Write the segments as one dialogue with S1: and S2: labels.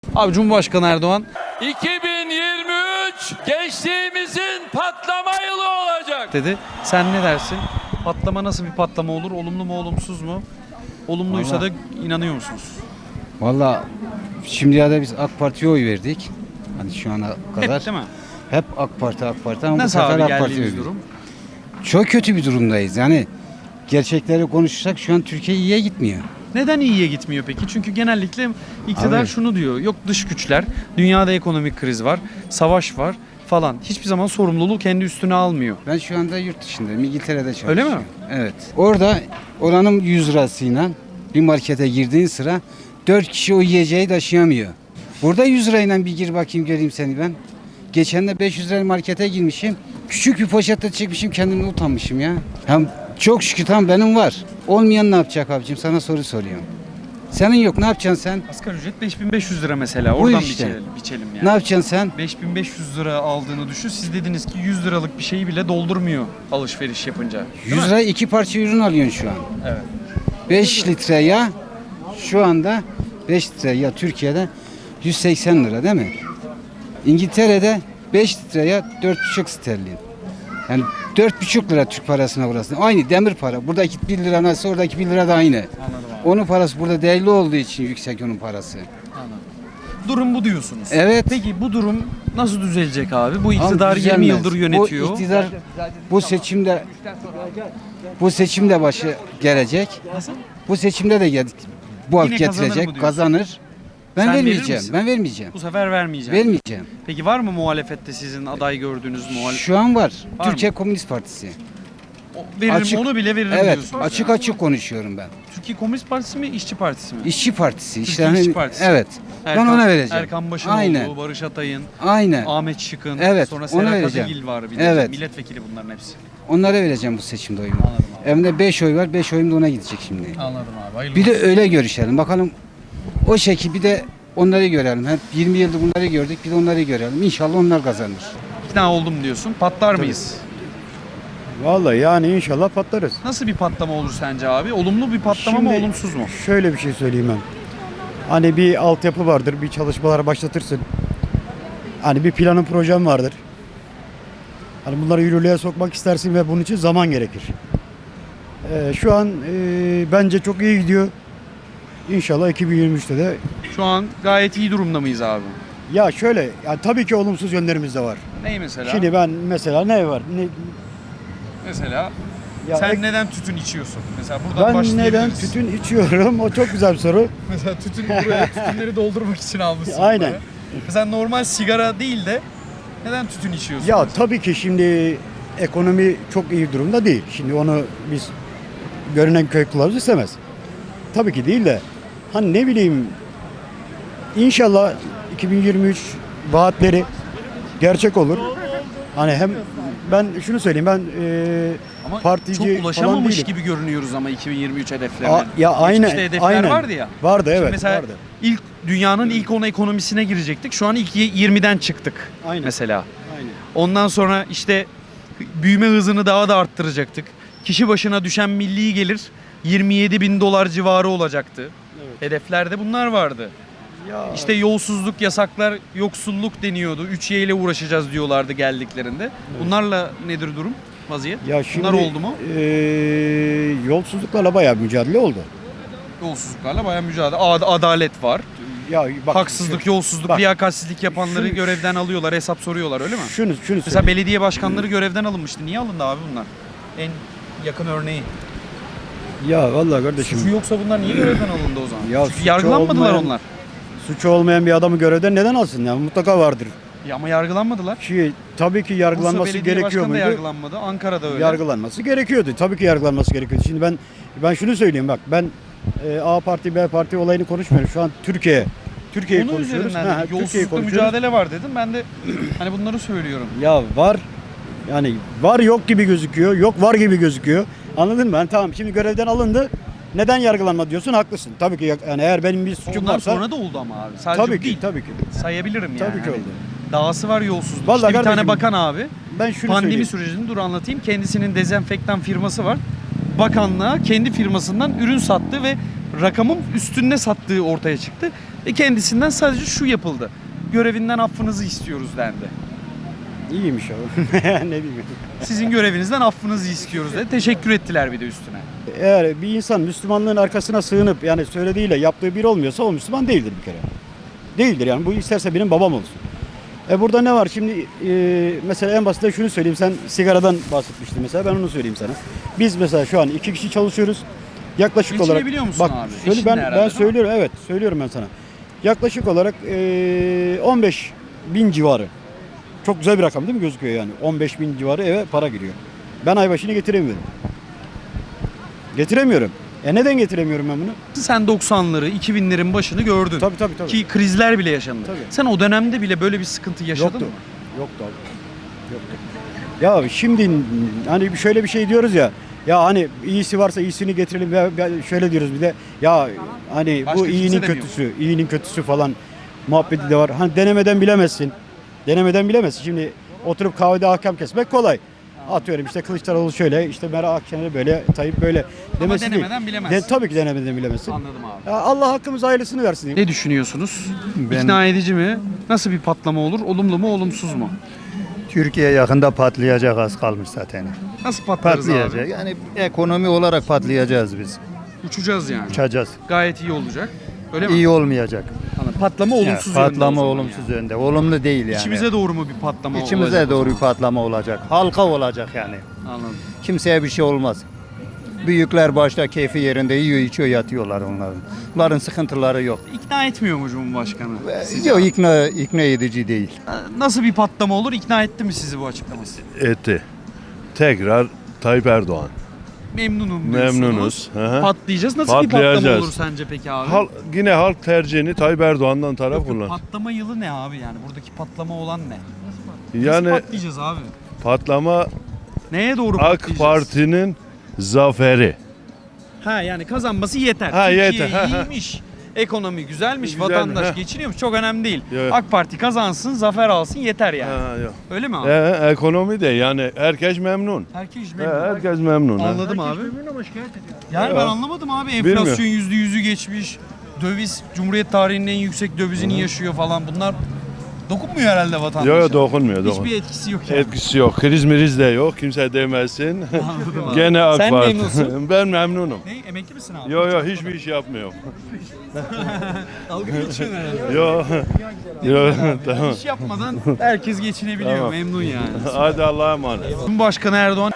S1: Abi Cumhurbaşkanı Erdoğan
S2: 2023 gençliğimizin patlama yılı olacak
S1: dedi. Sen ne dersin? Patlama nasıl bir patlama olur? Olumlu mu olumsuz mu? Olumluysa da inanıyor musunuz?
S3: Valla şimdiye kadar biz AK Parti'ye oy verdik. Hani şu ana kadar.
S1: Hep değil mi?
S3: Hep AK Parti ama
S1: Nasıl
S3: bu sefer
S1: abi
S3: AK Parti'ye
S1: geldiğimiz
S3: verdik.
S1: durum?
S3: Çok kötü bir durumdayız. Yani gerçekleri konuşursak şu an Türkiye iyiye gitmiyor.
S1: Neden iyiye gitmiyor peki? Çünkü genellikle iktidar
S3: Abi.
S1: şunu diyor. Yok dış güçler, dünyada ekonomik kriz var, savaş var falan. Hiçbir zaman sorumluluğu kendi üstüne almıyor.
S3: Ben şu anda yurt dışındayım. İngiltere'de çalışıyorum.
S1: Öyle mi?
S3: Evet. Orada oranın 100 lirasıyla bir markete girdiğin sıra 4 kişi o yiyeceği taşıyamıyor. Burada 100 lirayla bir gir bakayım göreyim seni ben. Geçen de 500 lirayla markete girmişim. Küçük bir poşette çekmişim, kendimden utanmışım ya. Hem çok şükür tamam benim var. Olmayan ne yapacak abicim, sana soru soruyorum. Senin yok, ne yapacaksın sen?
S1: Asgari ücret 5500 lira mesela.
S3: Bu
S1: Oradan
S3: işte.
S1: biçelim
S3: Ne
S1: yani.
S3: yapacaksın sen?
S1: 5500 lira aldığını düşün. Siz dediniz ki 100 liralık bir şeyi bile doldurmuyor alışveriş yapınca.
S3: 100 liraya 2 parça ürün alıyorsun şu an.
S1: Evet.
S3: 5 litre yağ şu anda 5 litre yağ Türkiye'de 180 lira değil mi? İngiltere'de 5 litre yağ 4,5 sterlin. Yani 4,5 lira Türk parasına burası. Aynı demir para. Buradaki 1 lira nasıl oradaki 1 lira da aynı.
S1: Anladım abi.
S3: Onun parası burada değerli olduğu için yüksek onun parası.
S1: Anladım. Durum bu diyorsunuz.
S3: Evet.
S1: Peki bu durum nasıl düzelecek abi? Bu iktidar
S3: Ama
S1: 20
S3: düzelmez.
S1: yıldır yönetiyor.
S3: Bu iktidar bu seçimde başı gelecek.
S1: Nasıl?
S3: Bu seçimde de bu halk
S1: Yine kazanır mı
S3: getirecek,
S1: diyorsun?
S3: kazanır. Ben
S1: Sen verir
S3: vermeyeceğim.
S1: misin?
S3: Ben vermeyeceğim.
S1: Bu sefer vermeyeceğim.
S3: Vermeyeceğim.
S1: Peki var mı muhalefette sizin aday gördüğünüz muhalefet?
S3: Şu an var.
S1: Var
S3: Türkiye
S1: mı?
S3: Komünist Partisi.
S1: Veririm,
S3: Açık-
S1: onu bile veririm
S3: Evet,
S1: diyorsunuz.
S3: açık
S1: ya.
S3: açık konuşuyorum ben.
S1: Türkiye Komünist Partisi mi, İşçi Partisi mi?
S3: İşçi Partisi.
S1: Türkiye
S3: İşte hani-
S1: İşçi Partisi.
S3: Evet. Ben ona vereceğim.
S1: Erkan Başımoğlu,
S3: Aynen.
S1: Barış Atay'ın,
S3: Aynen.
S1: Ahmet Şık'ın,
S3: Evet,
S1: sonra
S3: ona
S1: Serhat
S3: vereceğim.
S1: Kadıgil var bir de.
S3: Evet.
S1: Milletvekili bunların hepsi.
S3: Onlara vereceğim bu seçimde oyumu.
S1: Anladım abi.
S3: Evimde 5 oy var. 5 oyum da ona gidecek şimdi.
S1: Anladım abi. Hayırlı
S3: Bir de
S1: olsun.
S3: öyle görüşelim. Bakalım o şekil bir de onları görelim. Hep 20 yıldır bunları gördük. Bir de onları görelim. İnşallah onlar kazanır.
S1: İkna oldum diyorsun. Patlar mıyız?
S4: Vallahi yani inşallah patlarız.
S1: Nasıl bir patlama olur sence abi? Olumlu bir patlama mı,
S4: Şimdi
S1: olumsuz mu?
S4: Şöyle bir şey söyleyeyim ben. Hani bir altyapı vardır, bir çalışmalar başlatırsın. Hani bir planın projen vardır. Hani bunları yürürlüğe sokmak istersin ve bunun için zaman gerekir. Şu an bence çok iyi gidiyor. İnşallah 2023'te de.
S1: Şu an gayet iyi durumda mıyız abi?
S4: Ya şöyle, yani tabii ki olumsuz yönlerimiz de var.
S1: Ney mesela?
S4: Şimdi ben mesela ne var?
S1: Mesela
S4: Ya
S1: sen neden tütün içiyorsun? Mesela buradan
S4: ben
S1: başlayabiliriz.
S4: neden tütün içiyorum? O çok güzel bir soru.
S1: Mesela buraya tütünleri doldurmak için almışsın.
S4: Aynen.
S1: buraya. Mesela normal sigara değil de neden tütün içiyorsun?
S4: Ya tabii ki şimdi ekonomi çok iyi durumda değil. Şimdi onu biz görünen köy kılavuz istemez. Tabii ki değil de hani ne bileyim inşallah 2023 vaatleri gerçek olur. Hani hem ben şunu söyleyeyim ben
S1: Ama
S4: partici
S1: çok
S4: falan
S1: ulaşamamış
S4: değilim.
S1: gibi görünüyoruz ama 2023 hedeflerine.
S4: Ya aynen,
S1: Geçmişte hedefler
S4: aynen.
S1: vardı ya.
S4: Vardı
S1: Şimdi
S4: evet
S1: mesela
S4: vardı.
S1: dünyanın ilk 10 ekonomisine girecektik. Şu an ilk 20'den çıktık
S4: Aynen.
S1: mesela.
S4: Aynen.
S1: Ondan sonra işte büyüme hızını daha da arttıracaktık. Kişi başına düşen milli gelir 27 bin dolar civarı olacaktı.
S4: Evet.
S1: Hedeflerde bunlar vardı.
S4: Ya
S1: İşte yolsuzluk, yasaklar, yoksulluk deniyordu. 3Y ile uğraşacağız diyorlardı geldiklerinde. Bunlarla nedir durum, vaziyet?
S4: ya şimdi
S1: Bunlar oldu mu?
S4: Yolsuzluklarla bayağı mücadele oldu.
S1: Yolsuzluklarla bayağı mücadele. Adalet var.
S4: Ya bak,
S1: Haksızlık, yolsuzluk,
S4: bak.
S1: liyakatsizlik yapanları
S4: Şunu-
S1: görevden alıyorlar, hesap soruyorlar öyle mi?
S4: Şunu
S1: Mesela
S4: söyleyeyim.
S1: belediye başkanları görevden alınmıştı. Niye alındı abi bunlar? En yakın örneği.
S4: Ya vallahi kardeşim.
S1: Suçu yoksa bunlar niye görevden alındı o zaman?
S4: Ya
S1: Çünkü
S4: suçu
S1: yargılanmadılar
S4: olmayan-
S1: onlar.
S4: Suçu olmayan bir adamı görevden neden alsın ya? Mutlaka vardır.
S1: Ya ama yargılanmadılar.
S4: Tabii ki
S1: Bursa
S4: yargılanması
S1: Belediye
S4: gerekiyor
S1: Başkanı da
S4: muydu?
S1: yargılanmadı. Ankara'da öyle.
S4: Yargılanması gerekiyordu. Tabii ki yargılanması gerekiyordu. Şimdi ben şunu söyleyeyim bak. Ben A parti B parti olayını konuşmuyorum. Şu an Türkiye'yi
S1: Onun
S4: konuşuyoruz.
S1: üzerinden
S4: Ha,
S1: dedim.
S4: Türkiye'yi
S1: Yolsuzlukla
S4: konuşuyoruz.
S1: mücadele var dedim. Ben de hani bunları söylüyorum.
S4: Ya var yani var yok gibi gözüküyor. Yok var gibi gözüküyor. Anladın mı? Yani tamam şimdi görevden alındı. Neden yargılanma diyorsun? Haklısın. Tabii ki yani eğer benim bir suçum
S1: Ondan
S4: varsa
S1: sonra da oldu ama abi. Sadece
S4: tabii
S1: bu
S4: ki
S1: değil.
S4: tabii ki.
S1: Sayabilirim yani.
S4: Tabii ki
S1: Hani
S4: oldu.
S1: Dahası var yolsuzluk.
S4: Vallahi
S1: İşte bir tane
S4: kardeşim,
S1: bakan abi
S4: Ben şunu
S1: pandemi
S4: söyleyeyim.
S1: sürecini dur anlatayım. Kendisinin dezenfektan firması var. Bakanlığa kendi firmasından ürün sattı ve rakamın üstünde sattığı ortaya çıktı. Ve kendisinden sadece şu yapıldı. Görevinden affınızı istiyoruz dendi.
S4: İyiymiş o. Ne bileyim.
S1: Sizin görevinizden affınızı istiyoruz dedi. Teşekkür ettiler bir de üstüne.
S4: Eğer bir insan Müslümanlığın arkasına sığınıp yani söylediğiyle yaptığı bir olmuyorsa o Müslüman değildir bir kere. Değildir yani. Bu isterse benim babam olsun. Burada ne var şimdi mesela en basitinden şunu söyleyeyim, sen sigaradan bahsetmiştin mesela, ben onu söyleyeyim sana. Biz mesela şu an 2 kişi çalışıyoruz. Yaklaşık olarak
S1: Geçinebiliyor musun
S4: bak,
S1: abi?
S4: Söyle,
S1: Eşinle herhalde,
S4: ben
S1: değil mi?
S4: söylüyorum, evet söylüyorum ben sana. Yaklaşık olarak 15.000 civarı. Çok güzel bir rakam değil mi gözüküyor yani? 15.000 civarı eve para giriyor. Ben ay başını getiremiyorum. Getiremiyorum. Neden getiremiyorum ben bunu?
S1: Sen 90'ları, 2000'lerin başını gördün.
S4: Tabii.
S1: Ki krizler bile yaşandı.
S4: Tabii.
S1: Sen o dönemde bile böyle bir sıkıntı yaşadın
S4: Yoktu.
S1: mı?
S4: Yoktu abi. Yoktu. Ya şimdi hani şöyle bir şey diyoruz ya. Ya hani iyisi varsa iyisini getirelim. Ya şöyle diyoruz bir de. Ya hani
S1: Başka
S4: bu
S1: kimse
S4: iyinin
S1: demiyor.
S4: kötüsü, iyinin kötüsü falan muhabbeti de var. Hani denemeden bilemezsin. Denemeden bilemezsin. Şimdi oturup kahvede ahkam kesmek kolay. Atıyorum işte Kılıçdaroğlu şöyle, işte Meral Akşener böyle, Tayyip böyle demesi değil.
S1: denemeden bilemezsin.
S4: Tabii ki denemeden bilemezsin.
S1: Anladım abi.
S4: Ya Allah hakkımız hayırlısını versin diyeyim.
S1: Ne düşünüyorsunuz? İkna edici mi? Nasıl bir patlama olur? Olumlu mu, olumsuz mu?
S5: Türkiye yakında patlayacak, az kalmış zaten.
S1: Nasıl patlarız
S5: Patlayacak.
S1: abi?
S5: Yani ekonomi olarak patlayacağız biz.
S1: Uçacağız yani.
S5: Uçacağız.
S1: Gayet iyi olacak. Öyle mi?
S5: İyi olmayacak.
S1: Anladım. Patlama
S5: Yani
S1: olumsuz yönde o
S5: patlama
S1: zaman
S5: olumsuz
S1: yani.
S5: yönde. Olumlu değil yani.
S1: İçimize doğru mu bir patlama olacak?
S5: İçimize
S1: o
S5: doğru
S1: zaman?
S5: bir patlama olacak. Halka olacak yani.
S1: Anladım.
S5: Kimseye bir şey olmaz. Büyükler başta keyfi yerinde yiyor, içiyor, yatıyorlar onların. Bunların sıkıntıları yok.
S1: İkna etmiyor mu Cumhurbaşkanı? sizi?
S5: Yok, ikna edici değil.
S1: Nasıl bir patlama olur? İkna etti mi sizi bu açıklaması?
S6: Etti. Tekrar Tayyip Erdoğan.
S1: Memnunum diyorsunuz.
S6: Memnunuz. Hı hı.
S1: Patlayacağız. Nasıl bir patlama
S6: Patlayacağız.
S1: olur sence peki abi?
S6: Yine halk tercihini Tayyip Erdoğan'dan taraf
S1: Yok,
S6: kullan.
S1: patlama yılı ne abi yani? Buradaki patlama olan ne? Nasıl
S6: Yani
S1: patlayacağız abi?
S6: patlama
S1: Neye doğru
S6: AK
S1: patlayacağız?
S6: Parti'nin zaferi.
S1: Ha yani kazanması yeter.
S6: Ha,
S1: Türkiye
S6: yeter. Ha, ha.
S1: iyiymiş. Ekonomi güzelmiş,
S6: Güzel,
S1: vatandaş
S6: ha.
S1: geçiniyormuş. Çok önemli değil.
S6: Yok.
S1: AK Parti kazansın, zafer alsın yeter yani.
S6: Ha, yok.
S1: Öyle mi abi?
S6: Ekonomi de yani herkes memnun.
S1: Herkes
S6: He,
S1: memnun.
S6: herkes memnun. ha.
S1: Anladım abi. Yani ben anlamadım abi.
S6: Bilmiyorum.
S1: Enflasyon %100'ü geçmiş. Döviz, Cumhuriyet tarihinin en yüksek dövizini yaşıyor falan. Bunlar dokunmuyor herhalde vatandaşa.
S6: Yok dokunmuyor.
S1: Hiçbir etkisi yok yani.
S6: Etkisi yok. Kriz miriz de yok. Kimse demesin.
S1: Anladım abi.
S6: Gene AK
S1: Sen
S6: Parti.
S1: memnunsun.
S6: Ben memnunum.
S1: Ne? Emekli misin abi?
S6: Yok hiçbir iş yapmıyorum.
S1: Dalga geçiyorsun herhalde.
S6: Yok tamam.
S1: İş yapmadan herkes geçinebiliyor.
S6: Tamam.
S1: Memnun yani.
S6: Hadi Allah'a emanet.
S1: Cumhurbaşkanı Erdoğan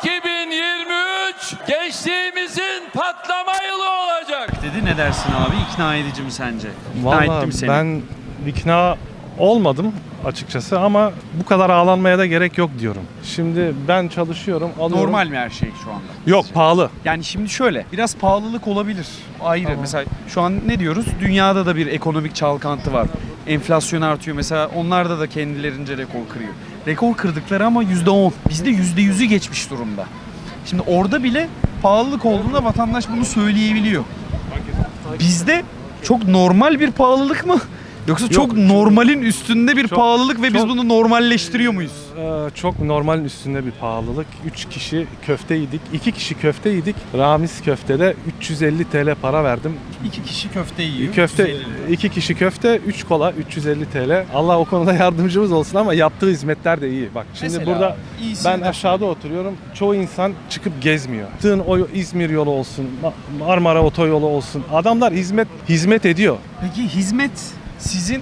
S2: 2023 gençliğimizin patlama yılı olacak.
S1: dedi. Ne dersin abi? İkna edici mi sence? İkna
S7: Vallahi
S1: etti mi seni?
S7: ben ikna olmadım açıkçası ama bu kadar ağlanmaya da gerek yok diyorum. Şimdi ben çalışıyorum, alıyorum.
S1: Normal mi her şey şu anda?
S7: Yok, pahalı.
S1: Yani şimdi şöyle, biraz pahalılık olabilir. Ayrı. Mesela şu an ne diyoruz? Dünyada da bir ekonomik çalkantı var. Enflasyon artıyor. Mesela onlarda da kendilerince rekor kırıyor. Rekor kırdıkları ama %10. Bizde %100'ü geçmiş durumda. Şimdi orada bile pahalılık olduğunda vatandaş bunu söyleyebiliyor. Bizde çok normal bir pahalılık mı? Yoksa çok normalin üstünde bir
S7: çok-
S1: pahalılık ve biz
S7: çok-
S1: bunu normalleştiriyor muyuz?
S7: Çok normalin üstünde bir pahalılık. 3 kişi köfte yedik. 2 kişi köfte yedik. Ramiz köftede 350 TL para verdim.
S1: 2 kişi köfte yiyor.
S7: Köfte
S1: 150 lira.
S7: 2 kişi köfte, 3 kola 350 TL. Allah o konuda yardımcımız olsun ama yaptığı hizmetler de iyi. Bak şimdi
S1: Mesela
S7: burada
S1: iyisini
S7: ben
S1: de-
S7: aşağıda oturuyorum. Çoğu insan çıkıp gezmiyor. Tığın o İzmir yolu olsun, Marmara otoyolu olsun. Adamlar hizmet ediyor.
S1: Peki hizmet sizin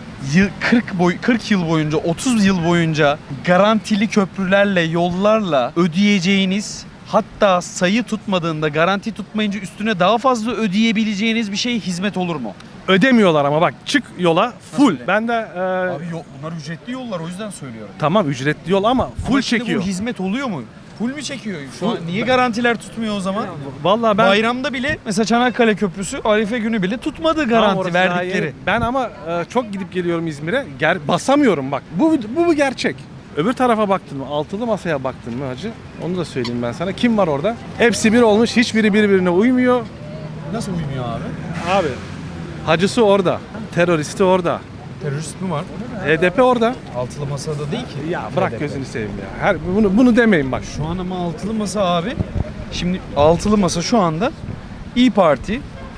S1: 40 yıl boyunca, 30 yıl boyunca garantili köprülerle, yollarla ödeyeceğiniz, hatta sayı tutmadığında, garanti tutmayınca üstüne daha fazla ödeyebileceğiniz bir şey hizmet olur mu?
S7: Ödemiyorlar ama bak çık yola full.
S1: öyle?
S7: Ben de
S1: Bunlar ücretli yollar, o yüzden söylüyorum.
S7: tamam ücretli yol ama full
S1: Ama şimdi
S7: çekiyor.
S1: bu hizmet oluyor mu? Full mü çekiyor? Şu an niye garantiler tutmuyor o zaman?
S7: Vallahi ben
S1: Bayramda bile mesela Çanakkale Köprüsü Arife günü bile tutmadı
S7: Tamam,
S1: garanti
S7: orası daha
S1: verdikleri.
S7: yeni. Ben ama çok gidip geliyorum İzmir'e. Basamıyorum bak. Bu gerçek. Öbür tarafa baktın mı? Altılı masaya baktın mı hacı? Onu da söyleyeyim ben sana. Kim var orada? Hepsi bir olmuş. Hiçbiri birbirine uymuyor.
S1: Nasıl uymuyor abi?
S7: Abi hacısı orada. Teröristi orada.
S1: Terörist mi var?
S7: HDP orada.
S1: Altılı masada değil ki.
S7: Ya bırak gözünü seveyim ya. Bunu demeyin bak.
S1: Şu an ama altılı masa abi. Şimdi altılı masa şu anda İyi Parti,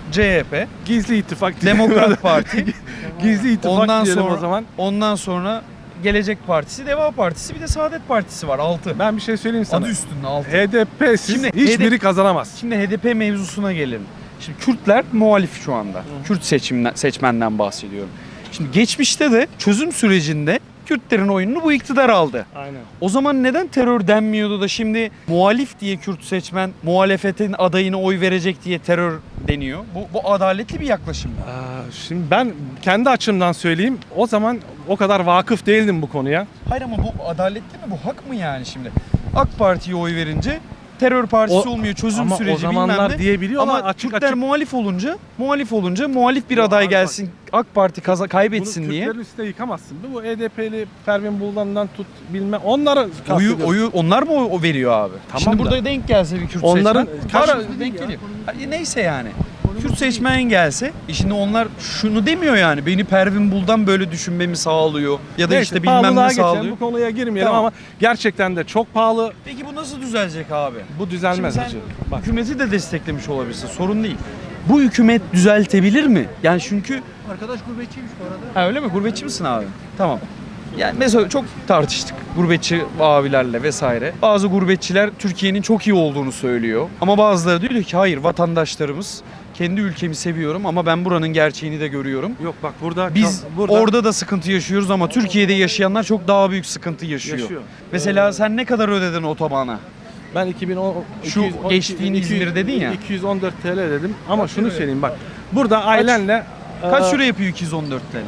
S1: CHP,
S7: Gizli ittifak diyelim.
S1: Demokrat Parti,
S7: Gizli ittifak
S1: ondan
S7: diyelim
S1: sonra
S7: o zaman.
S1: ondan sonra Gelecek Partisi, Deva Partisi, bir de Saadet Partisi var 6.
S7: Ben bir şey söyleyeyim sana.
S1: Adı üstünde 6.
S7: HDP'siz
S1: Şimdi
S7: hiçbiri kazanamaz.
S1: Şimdi HDP mevzusuna gelelim. Şimdi Kürtler muhalif şu anda. Kürt seçmenden bahsediyorum. Şimdi geçmişte de çözüm sürecinde Kürtlerin oyununu bu iktidar aldı.
S7: Aynen.
S1: O zaman neden terör denmiyordu da şimdi muhalif diye Kürt seçmen muhalefetin adayına oy verecek diye terör deniyor? Bu adaletli bir yaklaşım mı?
S7: Şimdi ben kendi açımdan söyleyeyim. O zaman o kadar vakıf değildim bu konuya.
S1: Hayır ama bu adaletli mi? Bu hak mı yani şimdi? AK Parti'ye oy verince terör partisi olmuyor, çözüm
S7: ama
S1: süreci
S7: o zamanlar
S1: bilmem ne.
S7: diyebiliyorlar
S1: Ama
S7: açık
S1: Kürtler
S7: açık.
S1: muhalif olunca muhalif bir aday
S7: abi
S1: gelsin, AK Parti kaybetsin
S7: Bunu
S1: diye.
S7: Kürtlerin üstüne yıkamazsın. Bu HDP'li Pervin Buldan'dan tut bilmem onları kastediyorum.
S1: Oyu onlar mı o veriyor abi?
S7: Tamam
S1: Şimdi
S7: da.
S1: burada denk gelse bir Kürt
S7: Onların
S1: seçmen. Denk geliyor. Neyse yani. Kürt seçmen gelse, şimdi onlar şunu demiyor yani. Beni Pervin Buldan böyle düşünmemi sağlıyor. Ya da
S7: Neyse,
S1: işte bilmem
S7: pahalılığa
S1: ne
S7: geçelim,
S1: sağlıyor.
S7: bu konuya girmeyelim
S1: Tamam.
S7: ama gerçekten de çok pahalı.
S1: Peki bu nasıl düzelecek abi?
S7: Bu düzelmez
S1: Şimdi
S7: hacı.
S1: sen
S7: Bak.
S1: hükümeti de desteklemiş olabilirsin. Sorun değil. Bu hükümet düzeltebilir mi? Yani çünkü...
S3: Arkadaş gurbetçiymiş bu arada.
S1: Ha öyle mi? Gurbetçi misin abi? Tamam. Yani mesela çok tartıştık gurbetçi abilerle vesaire. Bazı gurbetçiler Türkiye'nin çok iyi olduğunu söylüyor. Ama bazıları diyor ki hayır, vatandaşlarımız, kendi ülkemi seviyorum ama ben buranın gerçeğini de görüyorum.
S7: Yok bak burada
S1: Biz orada da sıkıntı yaşıyoruz ama Türkiye'de yaşayanlar çok daha büyük sıkıntı yaşıyor. Mesela sen ne kadar ödedin otobana?
S7: ben 2010
S1: Şu geçtiğin İzmir dedin ya.
S7: 214 TL dedim ama şunu söyleyeyim bak. Burada ailenle
S1: Kaç euro yapıyor 214 TL?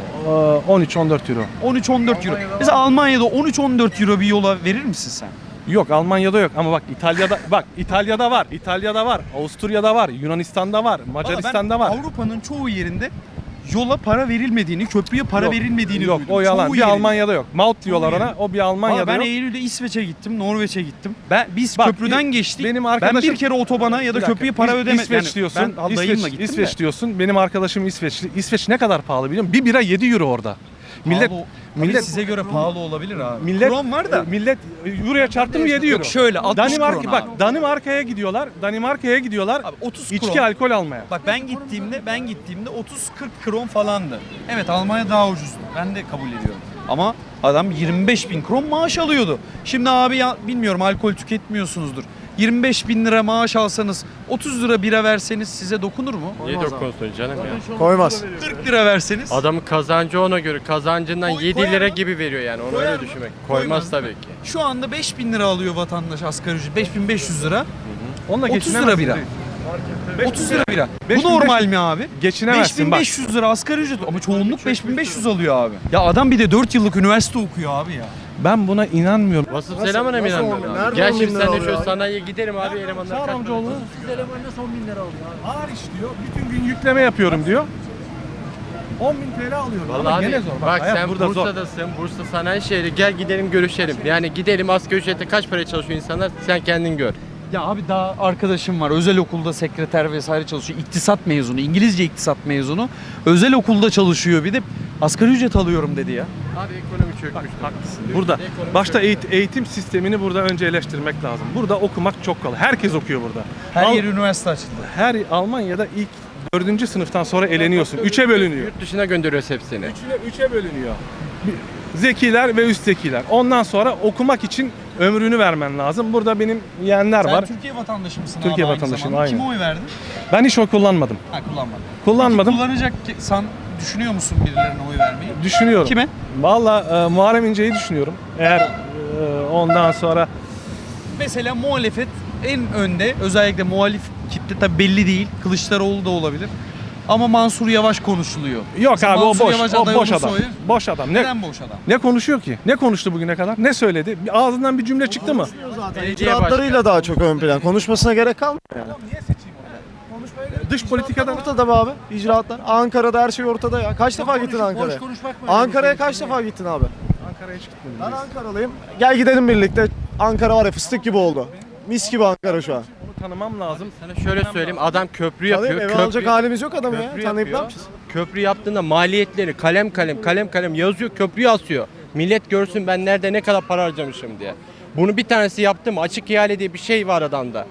S7: 13-14 euro.
S1: 13-14 euro. Mesela Almanya'da 13-14 euro bir yola verir misin sen?
S7: Yok Almanya'da yok ama bak İtalya'da var. İtalya'da var. Avusturya'da var. Yunanistan'da var. Macaristan'da var.
S1: Avrupa'nın çoğu yerinde yola para verilmediğini, köprüye para
S7: Yok,
S1: verilmediğini
S7: yok
S1: duydum.
S7: o yalan.
S1: Çoğu
S7: Bir
S1: yerinde.
S7: Almanya'da yok. Maut diyorlar ona. O bir Almanya'da
S1: Ben
S7: yok.
S1: Eylül'de İsveç'e gittim, Norveç'e gittim. Biz
S7: Bak,
S1: köprüden geçtik.
S7: benim
S1: Ben
S7: arkadaşım-
S1: bir kere otobana ya da
S7: Bir dakika,
S1: köprüye para ödemedim.
S7: İsveç diyorsun.
S1: Ben dayımla gittim
S7: İsveç
S1: de.
S7: diyorsun. Benim arkadaşım İsveçli. İsveç ne kadar pahalı biliyor musun? Bir bira 7 euro orada. Millet
S1: Millet size göre pahalı olabilir abi.
S7: millet
S1: Kron var da.
S7: millet euroya çarptı mı 7 euro.
S1: Yok şöyle 60
S7: Danimarka
S1: kron
S7: bak
S1: abi.
S7: Danimarka'ya gidiyorlar. Abi
S1: 30
S7: içki
S1: kron.
S7: alkol almaya.
S1: Bak ben gittiğimde 30-40 kron falandı. Evet Almanya daha ucuzdu. Ben de kabul ediyorum. Ama adam 25 bin kron maaş alıyordu. Şimdi abi ya bilmiyorum alkol tüketmiyorsunuzdur. 25 bin lira maaş alsanız 30 lira bira verseniz size dokunur mu?
S8: Niye dokunsun canım ya?
S9: Koymaz.
S1: 40 lira verseniz.
S8: Adamın kazancı ona göre kazancından
S1: Koy-
S8: 7
S1: koyar
S8: lira
S1: mı?
S8: gibi veriyor yani onu
S1: Koyar
S8: öyle
S1: mı?
S8: düşünmek.
S1: Koymaz.
S8: Koymaz tabii ki.
S1: Şu anda 5 bin lira alıyor vatandaş asgari ücret. 5500 lira.
S7: Onunla
S1: 30 lira
S7: geçinemezsin
S1: bira.
S7: değil.
S1: 30 lira bira. Bu
S7: 5500
S1: normal mi abi?
S7: Geçinemezsin bak.
S1: 5500 lira asgari ücret ama çoğunluk 5500 alıyor abi. Ya adam bir de 4 yıllık üniversite okuyor abi ya.
S7: Ben buna inanmıyorum.
S8: Vasıf selamına mı inanmıyorum
S9: olmuyor?
S8: abi?
S9: Nerede
S8: Gel
S9: 10 bin
S8: şimdi
S9: lira
S8: sen de
S9: alıyor
S8: şu
S9: abi?
S8: sanayiye gidelim abi elemanlar
S7: Çağır
S8: kaç
S7: amcaoğlu.
S8: para?
S7: Ağır iş diyor. Bütün gün yükleme yapıyorum diyor. 10.000 TL alıyorum.
S8: Vallahi
S7: Ama
S8: abi,
S7: gene zor.
S8: bak
S7: hayat
S8: sen
S7: burada zor.
S8: Bursa'dasın, Bursa sanayi şehri, gel gidelim görüşelim. Yani gidelim asgari ücrete kaç para çalışıyor insanlar sen kendin gör.
S1: Ya abi daha arkadaşım var. Özel okulda sekreter vesaire çalışıyor. İktisat mezunu, İngilizce iktisat mezunu. Özel okulda çalışıyor bir de asgari ücret alıyorum dedi ya.
S8: Abi ekonomi çökmüş.
S7: Haklısın. Burada başta eğitim sistemini burada önce eleştirmek lazım. Burada okumak çok kolay. Herkes okuyor burada.
S1: Her yer üniversite açıldı.
S7: Her Almanya'da ilk 4. sınıftan sonra eleniyorsun. 3'e bölünüyor.
S8: Yurt dışına gönderiyoruz hepsini.
S7: 3'e bölünüyor. Zekiler ve üst zekiler. Ondan sonra okumak için ömrünü vermen lazım. Burada benim yeğenler
S1: Sen
S7: var.
S1: Türkiye vatandaşı mısın
S7: Türkiye
S1: abi aynı
S7: vatandaşıyım,
S1: zamanda?
S7: aynen.
S1: Kime oy verdin?
S7: Ben hiç oy kullanmadım.
S1: Ha kullanmadın.
S7: Kullanmadım.
S1: Kullanacak sen düşünüyor musun birilerine oy vermeyi?
S7: Düşünüyorum.
S1: Kime?
S7: Valla Muharrem İnce'yi düşünüyorum. Eğer ondan sonra
S1: Mesela muhalefet en önde, özellikle muhalif kitle tabi belli değil. Kılıçdaroğlu da olabilir. Ama Mansur Yavaş konuşuluyor.
S7: yok
S1: Mesela
S7: abi o
S1: Mansur
S7: boş.
S1: Yavaş
S7: O
S1: aday
S7: boş
S1: olursa
S7: adam.
S1: oyu-
S7: Boş adam.
S1: Neden boş adam?
S7: Ne konuşuyor ki? Ne konuştu bugüne kadar? Ne söyledi? Ağzından bir cümle çıktı mı?
S9: İcraatlarıyla daha çok ön plan. Konuşmasına gerek kalmıyor.
S7: Dış politikadan
S9: Ortada be abi icraatlar. Ankara'da her şey ortada ya. Kaç defa gittin Ankara'ya? Ankara'ya kaç defa gittin abi?
S7: Ankara'ya hiç gitmedim.
S9: Ben Ankaralıyım. Gel gidelim birlikte. Ankara var ya fıstık gibi oldu. Mis gibi Ankara şu an.
S7: Onu tanımam lazım.
S8: Sana şöyle söyleyeyim adam köprü
S9: Tanıyıp
S8: yapıyor.
S9: eve alacak halimiz yok adamı ya.
S8: köprü
S9: Tanıyıp ne
S8: yapıyor.
S9: yapacağız?
S8: Köprü yaptığında maliyetleri kalem kalem yazıyor, köprüyü asıyor. Millet görsün ben nerede ne kadar para harcamışım diye. Bunu bir tanesi yaptı mı? Açık ihale diye bir şey var adamda.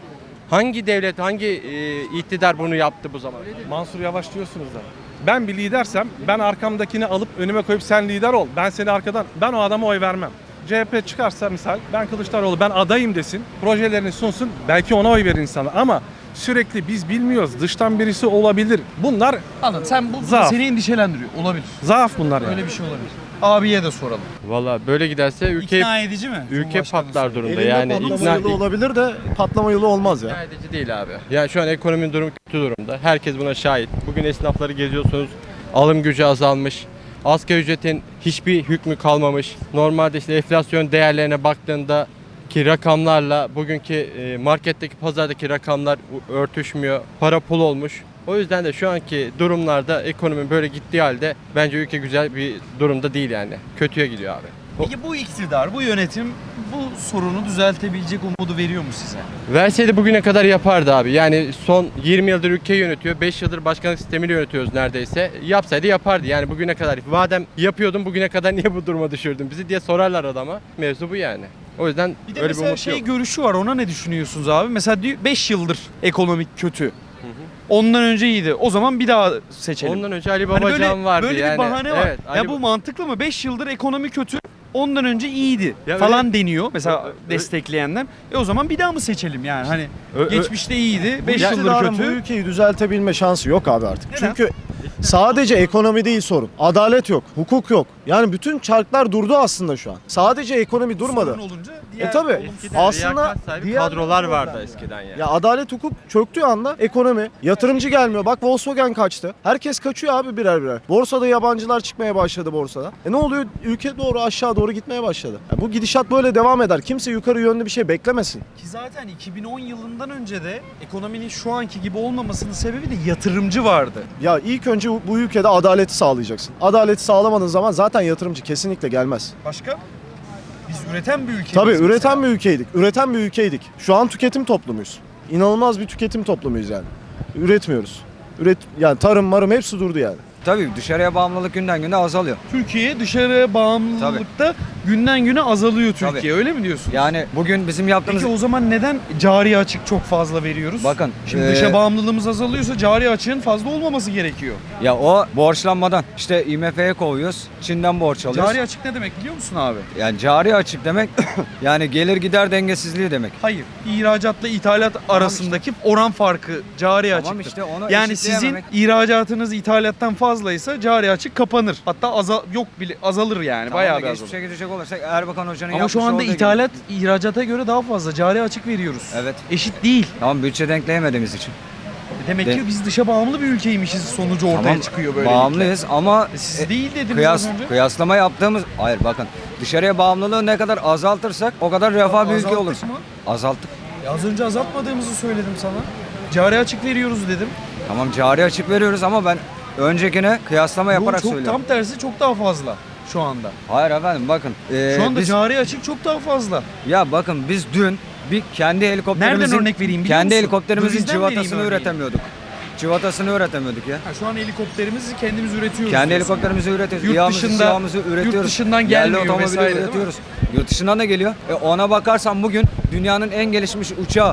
S8: Hangi devlet, hangi iktidar bunu yaptı bu zaman?
S7: Mansur Yavaş diyorsunuz da. Ben bir lidersem ben arkamdakini alıp önüme koyup sen lider ol. Ben seni arkadan, ben o adama oy vermem. CHP çıkarsa misal ben Kılıçdaroğlu ben adayım desin. Projelerini sunsun. Belki ona oy verir insanlar ama sürekli biz bilmiyoruz. Dıştan birisi olabilir. Bunlar
S1: Anladım. Sen bu
S7: Zaaf.
S1: seni endişelendiriyor. Olabilir.
S7: zaaf bunlar yani.
S1: Öyle bir şey olabilir. Abiye de soralım.
S8: Valla böyle giderse ülke
S1: İkna edici mi?
S8: ülke
S1: Cumhurbaşkanı
S8: patlar durumda.
S9: Elinde
S8: Yani
S9: patlama yılı olabilir de patlama yılı olmaz ya.
S8: ikna edici değil abi. Yani şu an ekonominin durumu kötü durumda. Herkes buna şahit. Bugün esnafları geziyorsunuz. Alım gücü azalmış. Asgari ücretin hiçbir hükmü kalmamış. Normalde işte enflasyon değerlerine baktığında ki rakamlarla bugünkü marketteki pazardaki rakamlar örtüşmüyor. Para pul olmuş. O yüzden de şu anki durumlarda ekonomi böyle gittiği halde bence ülke güzel bir durumda değil yani. Kötüye gidiyor abi.
S1: Peki bu iktidar, bu yönetim bu sorunu düzeltebilecek umudu veriyor mu size?
S8: Verseydi bugüne kadar yapardı abi. Yani son 20 yıldır ülkeyi yönetiyor. 5 yıldır başkanlık sistemiyle yönetiyoruz neredeyse. Yapsaydı yapardı. Yani bugüne kadar. Madem yapıyordun bugüne kadar niye bu duruma düşürdün bizi diye sorarlar adama. Mevzu bu yani. O yüzden
S1: Bir de
S8: öyle bir
S1: mesela
S8: umut
S1: şey
S8: yok.
S1: görüşü var. Ona ne düşünüyorsunuz abi? Mesela 5 yıldır ekonomik kötü. Ondan önce iyiydi. O zaman bir daha seçelim.
S8: Ondan önce Ali
S1: Hani
S8: Babacan vardı
S1: böyle
S8: yani.
S1: bir bahane var.
S8: Evet,
S1: Ya bu mantıklı mı? 5 yıldır ekonomi kötü. Ondan önce iyiydi
S8: Ya
S1: falan deniyor mesela
S8: Ö-
S1: destekleyenler. O zaman bir daha mı seçelim yani? Hani geçmişte iyiydi, 5
S9: Bu
S1: yıldır
S9: iktidarın bu
S1: kötü.
S9: ülkeyi düzeltebilme şansı yok abi artık.
S1: Neden?
S9: Çünkü sadece ekonomi değil sorun. Adalet yok, hukuk yok. Yani bütün çarklar durdu aslında şu an. Sadece ekonomi durmadı.
S1: Sorun olunca diğer
S9: Tabii.
S8: Eskiden
S9: Aslında
S8: liyakat sahibi
S9: diğer
S8: kadrolar
S9: problem
S8: vardı
S9: yani.
S8: eskiden yani.
S9: Ya adalet hukuk çöktüğü anda ekonomi, yatırımcı gelmiyor. Bak Volkswagen kaçtı. Herkes kaçıyor abi birer birer. Borsada yabancılar çıkmaya başladı borsada. Ne oluyor? Ülke doğru aşağı doğru gitmeye başladı. Ya bu gidişat böyle devam eder. Kimse yukarı yönlü bir şey beklemesin.
S1: Ki zaten 2010 yılından önce de ekonominin şu anki gibi olmamasının sebebi de yatırımcı vardı.
S9: Ya ilk önce bu ülkede adaleti sağlayacaksın. Adaleti sağlamadığın zaman zaten yatırımcı kesinlikle gelmez.
S1: Başka? Biz üreten bir ülkeyiz.
S9: Tabii
S1: mesela.
S9: üreten bir ülkeydik. Üreten bir ülkeydik. Şu an tüketim toplumuyuz. İnanılmaz bir tüketim toplumuyuz yani. Üretmiyoruz. Yani tarım marım hepsi durdu yani.
S10: Tabii dışarıya bağımlılık günden güne azalıyor.
S1: Türkiye dışarı bağımlılıkta günden güne azalıyor Türkiye.
S10: Tabii.
S1: Öyle mi diyorsun?
S10: Yani bugün bizim yaptığımız...
S1: Peki o zaman neden cari açık çok fazla veriyoruz?
S10: Bakın,
S1: Şimdi dışa bağımlılığımız azalıyorsa cari açığın fazla olmaması gerekiyor.
S10: Ya o borçlanmadan işte IMF'ye kovuyoruz, Çin'den borç alıyoruz.
S1: Cari açık ne demek biliyor musun abi?
S10: Yani cari açık demek yani gelir gider dengesizliği demek.
S1: Hayır. İhracatla ithalat arasındaki oran farkı cari
S10: Tamam
S1: açıktır.
S10: işte onu
S1: Yani sizin
S10: eşitleyememek.
S1: ihracatınız ithalattan fazlaysa cari açık kapanır. Hatta yok bile azalır yani.
S10: Tamam
S1: Bayağı
S10: da
S1: bir azalır.
S10: geçmişe gidecek olursak Erbakan Hoca'nın
S1: Ama
S10: yapmış
S1: şu anda
S10: olduğu gibi-
S1: ithalat ihracata göre daha fazla. Cari açık veriyoruz.
S10: Evet.
S1: Eşit değil.
S10: Tamam bütçe denkleyemediğimiz için.
S1: Demek ki biz dışa bağımlı bir ülkeymişiz sonucu ortaya
S10: Tamam
S1: çıkıyor böyle.
S10: bağımlıyız ama
S1: Siz değil dediniz az önce.
S10: kıyaslama yaptığımız... Hayır bakın dışarıya bağımlılığı ne kadar azaltırsak o kadar refah bir ülke
S1: Azalttık
S10: oluruz.
S1: mı?
S10: Azalttık.
S1: Az önce azaltmadığımızı söyledim sana. Cari açık veriyoruz dedim.
S10: Tamam cari açık veriyoruz ama ben öncekine kıyaslama yaparak
S1: çok
S10: söylüyorum.
S1: tam tersi çok daha fazla şu anda.
S10: Hayır efendim bakın.
S1: Şu anda
S10: biz,
S1: cari açık çok daha fazla.
S10: ya bakın biz dün bir kendi helikopterimizin
S1: Nereden örnek vereyim biliyor
S10: kendi
S1: musun?
S10: helikopterimizin
S1: Dövizden vereyim
S10: civatasını
S1: örneği.
S10: üretemiyorduk. Civatasını üretemiyorduk ya.
S1: Ha, şu an helikopterimizi kendimiz üretiyoruz.
S10: Kendi
S1: diyorsun.
S10: helikopterimizi üretiyoruz.
S1: Yurt
S10: İHA'mızı,
S1: dışında-
S10: SİHA'mızı üretiyoruz.
S1: yurt dışından
S10: Yerli
S1: gelmiyor
S10: otomobili
S1: vesaire, değil mi?
S10: üretiyoruz. Yurt dışından da geliyor. Ona bakarsan bugün dünyanın en gelişmiş uçağı.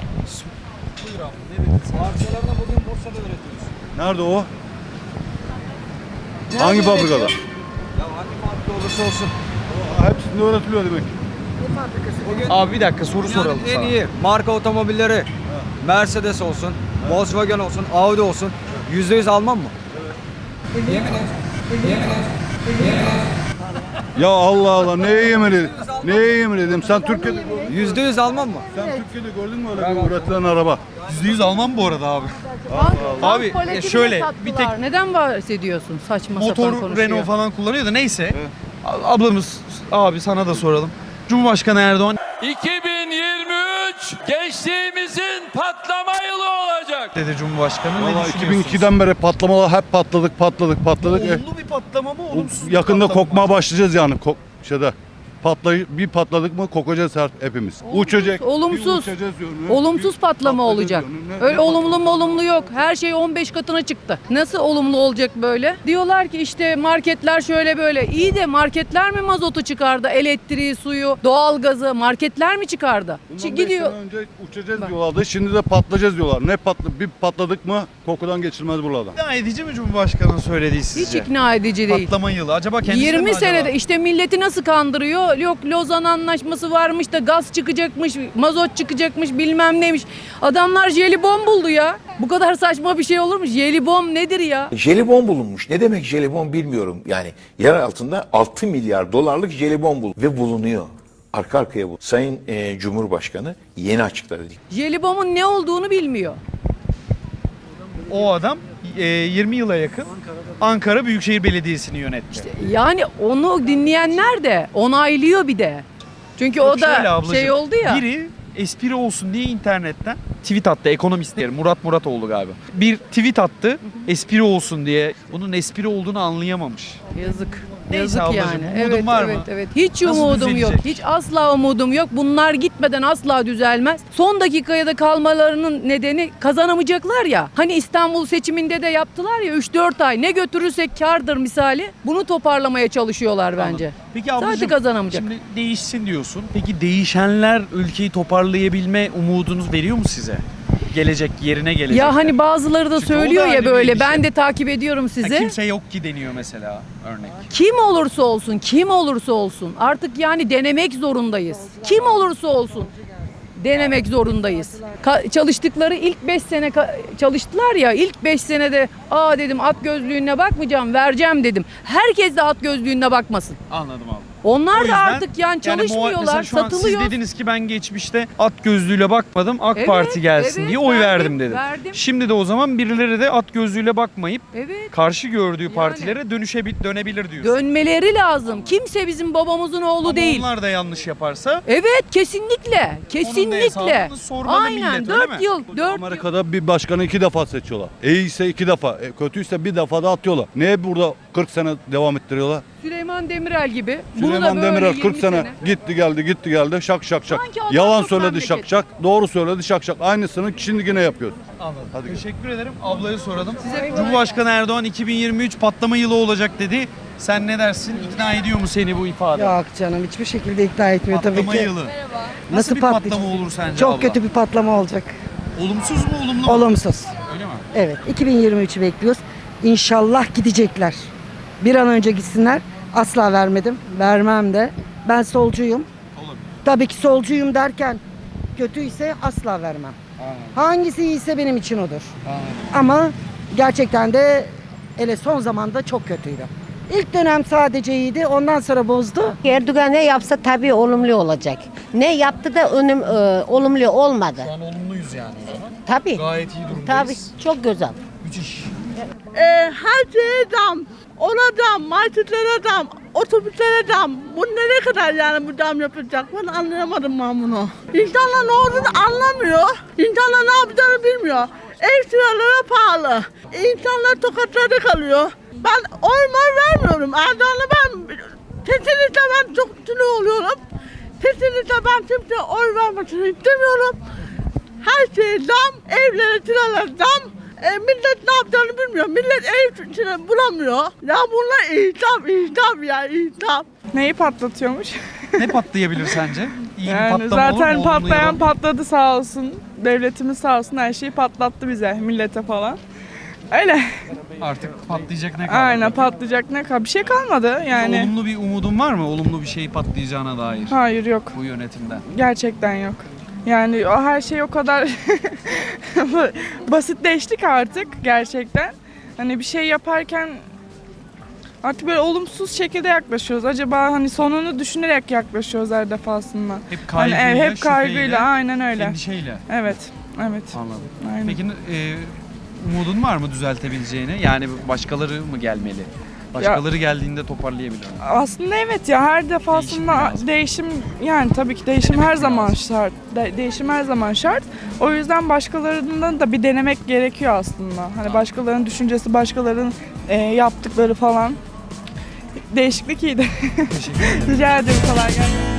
S10: Parçalarını bugün Bursa'da üretiyoruz.
S6: Nerede o? Hangi fabrikada?
S10: Ya hangi fabrika olursa olsun.
S6: Hepsinde öğretiliyor demek.
S1: Abi bir dakika soru
S10: Dünyanın
S1: soralım
S10: en
S1: sana.
S10: iyi marka otomobilleri Mercedes olsun, Volkswagen olsun, Audi olsun %100 Alman mı?
S6: Ya Allah Allah neye yemin edeyim? Neye yemin edeyim? Sen Türkiye'de
S10: %100 Alman mı?
S6: sen Türkiye'de gördün mü öyle bir üretilen araba?
S1: %100 Alman bu arada abi. Abi şöyle bir tek
S11: Neden bahsediyorsun saçma sapan
S1: motor
S11: konuşuyor?
S1: Renault falan kullanıyor da neyse. Ablamız abi sana da soralım. Cumhurbaşkanı Erdoğan
S2: 2023 gençliğimizin patlama yılı olacak.
S1: dedi Cumhurbaşkanı. Ne
S6: Valla
S1: düşünüyorsunuz?
S6: 2002'den beri patlamalar hep patladık.
S1: Olumlu bir patlama mı olumsuz bir
S6: Yakında
S1: patlama mı?
S6: kokmaya başlayacağız yani şeyde. Bir patladık mı kokacağız hepimiz. Uçacak.
S11: Olumsuz.
S6: Bir uçacağız yönüne,
S11: Olumsuz
S6: bir
S11: patlama
S6: patlayacağız
S11: olacak.
S6: yönüne,
S11: Öyle
S6: ne
S11: olumlu mu
S6: patlayacak?
S11: olumlu yok. Her şey 15 katına çıktı. Nasıl olumlu olacak böyle? Diyorlar ki işte marketler şöyle böyle. İyi de marketler mi mazotu çıkardı? Elektriği, suyu, doğalgazı marketler mi çıkardı?
S6: Bundan 5
S11: Gidiyor.
S6: sene önce uçacağız diyorlardı. Şimdi de patlayacağız diyorlar. Bir patladık mı kokudan geçilmez buradan.
S1: İkna edici mi Cumhurbaşkanı'nın söylediği sizce?
S11: Hiç ikna edici değil.
S1: Patlama yılı. Acaba kendisi mi
S11: 20
S1: acaba?
S11: senede işte milleti nasıl kandırıyor? Yok Lozan Anlaşması varmış da gaz çıkacakmış, mazot çıkacakmış bilmem neymiş. Adamlar jelibon buldu ya. Bu kadar saçma bir şey olur mu? Jelibon nedir ya?
S12: Jelibon bulunmuş. Ne demek jelibon bilmiyorum. Yani yer altında 6 milyar dolarlık jelibon ve bulunuyor. Arka arkaya bu. Sayın Cumhurbaşkanı yeni açıkladı.
S11: Jelibonun ne olduğunu bilmiyor.
S1: O adam 20 yıla yakın Ankara Büyükşehir Belediyesi'ni yönetti.
S11: Yani onu dinleyenler de onaylıyor bir de. Çünkü
S1: Yok
S11: o da
S1: şöyle ablacığım,
S11: şey oldu ya.
S1: Biri espri olsun diye internetten tweet attı. Ekonomist diyelim. Muratoğlu galiba. Bir tweet attı. Espri olsun diye. Bunun espri olduğunu anlayamamış.
S11: Yazık.
S1: Neyse
S11: Yazık
S1: ablacığım,
S11: yani.
S1: umudun
S11: Evet,
S1: var mı?
S11: evet, evet. Hiç
S1: Nasıl
S11: umudum yok.
S1: düzelecek?
S11: Hiç asla umudum yok. Bunlar gitmeden asla düzelmez. Son dakikaya da kalmalarının nedeni kazanamayacaklar ya. Hani İstanbul seçiminde de yaptılar ya 3-4 ay. Ne götürürsek kârdır misali. Bunu toparlamaya çalışıyorlar bence.
S1: Peki ablacığım,
S11: Zaten kazanamayacak.
S1: şimdi değişsin diyorsun. Peki değişenler ülkeyi toparlayabilme umudunuz veriyor mu size? Gelecek yerine gelecek.
S11: Ya hani bazıları da
S1: Çünkü o
S11: söylüyor
S1: da
S11: ya
S1: ayrı bir
S11: böyle
S1: endişe.
S11: ben de takip ediyorum sizi.
S1: Kimse yok ki deniyor mesela örnek.
S11: Kim olursa olsun, kim olursa olsun artık yani denemek zorundayız. Kim olursa olsun denemek zorundayız. Çalıştıkları ilk 5 sene çalıştılar ya ilk 5 senede dedim at gözlüğüne bakmayacağım vereceğim dedim. Herkes de at gözlüğüne bakmasın.
S1: Anladım abi.
S11: Onlar
S1: O
S11: da
S1: yüzden
S11: artık yani çalışmıyorlar,
S1: mesela şu an
S11: satılıyor.
S1: siz dediniz ki ben geçmişte at gözlüğüyle bakmadım AK
S11: Evet,
S1: Parti gelsin
S11: evet,
S1: diye oy verdim
S11: verdim.
S1: dedim. Şimdi de o zaman birileri de at gözlüğüyle bakmayıp
S11: Evet.
S1: karşı gördüğü partilere dönebilir diyorsun.
S11: Dönmeleri lazım. Kimse bizim babamızın oğlu
S1: Ama
S11: değil.
S1: onlar da yanlış yaparsa
S11: Evet kesinlikle.
S1: Onun da
S11: Kesinlikle.
S1: hesabını sormalı
S11: Aynen
S1: millet, öyle mi?
S11: 4 yıl. 4 yıl.
S6: Amerika'da bir başkanı 2 defa seçiyorlar. İyiyse 2 defa, kötüyse bir defa da atıyorlar. Niye burada 40 sene devam ettiriyorlar?
S11: Süleyman Demirel gibi. Bunu da
S6: Süleyman
S11: böyle
S6: Demirel
S11: 20
S6: 40 sene gitti geldi şak şak şak.
S11: Sanki adam
S6: Yalan
S11: yok
S6: söyledi
S11: memleket.
S6: şak şak, doğru söyledi şak şak. Aynısını şimdi yine yapıyoruz.
S1: Anladım. Teşekkür ederim. Ablaya soralım. Cumhurbaşkanı Erdoğan 2023 patlama yılı olacak dedi. Sen ne dersin? İkna ediyor mu seni bu ifade?
S13: Yok canım hiçbir şekilde ikna etmiyor
S1: Patlama
S13: tabii ki.
S1: yılı. Nasıl
S13: Nasıl
S1: bir
S13: patlayacak?
S1: patlama olur sence
S13: Çok
S1: abla?
S13: kötü bir patlama olacak.
S1: Olumsuz mu olumlu mu?
S13: Olumsuz.
S1: Öyle mi?
S13: Evet 2023'ü bekliyoruz. İnşallah gidecekler. Bir an önce gitsinler. Asla vermedim. Vermem de. Ben solcuyum.
S1: Olabilir.
S13: Tabii ki solcuyum derken kötüyse asla vermem. Hangisi iyiyse benim için odur. Ama gerçekten de hele son zamanda çok kötüydü. İlk dönem sadece iyiydi. Ondan sonra bozdu.
S14: Erdoğan ne yapsa tabii olumlu olacak. Ne yaptı da olumlu olmadı.
S1: Şu an olumluyuz yani o zaman.
S14: Tabii.
S1: Gayet iyi durumdayız.
S14: Tabii çok güzel.
S1: Müthiş.
S15: Her şeye zam. Ona zam, marketlere zam, otobüslere zam. Bu nereye kadar yani bu zam yapacak? Ben anlayamadım ben bunu. İnsanlar ne olduğunu anlamıyor. İnsanlar ne yapacağını bilmiyor. Ev kiraları pahalı. İnsanlar tokatlarda kalıyor. Ben oy vermiyorum. Erdoğan'a kesinlikle ben çok sinir oluyorum. Kesinlikle ben kimseye oy vermesini istemiyorum. Her şeye zam, evlere kiralar zam. Millet ne yapacağını bilmiyor. Millet ev bulamıyor. Ya bunlar ihtap. Neyi patlatıyormuş?
S1: Ne patlayabilir sence? İyi bir
S15: Yani
S1: patlama olur
S15: zaten
S1: mu? Olumlu ya da
S15: patlayan
S1: olumlu?
S15: patladı sağ olsun. Devletimiz sağ olsun her şeyi patlattı bize, millete falan. Öyle.
S1: Artık patlayacak ne kaldı?
S15: Aynen patlayacak ne kadar bir şey kalmadı yani.
S1: Olumlu bir umudun var mı? Olumlu bir şey patlayacağına dair
S15: Hayır yok.
S1: bu yönetimden.
S15: Gerçekten yok. Yani o her şey o kadar basitleştik artık gerçekten. Hani bir şey yaparken artık böyle olumsuz şekilde yaklaşıyoruz. Acaba hani sonunu düşünerek yaklaşıyoruz her defasında.
S1: Hep kaygıyla,
S15: Hani, hep kaygıyla,
S1: şüpheyle,
S15: aynen öyle.
S1: endişeyle.
S15: Evet, evet.
S1: Anladım.
S15: Aynen.
S1: Peki umudun var mı düzeltebileceğine? Yani başkaları mı gelmeli? Başkaları geldiğinde toparlayabilir mi?
S15: Aslında evet ya her defasında değişim yani tabii ki değişim her zaman şart. Değişim her zaman şart. O yüzden başkalarından da bir denemek gerekiyor aslında. Hani başkalarının düşüncesi, başkalarının yaptıkları falan. Değişiklik iyiydi.
S1: Teşekkür ederim.
S15: Rica ederim, kolay gelsin.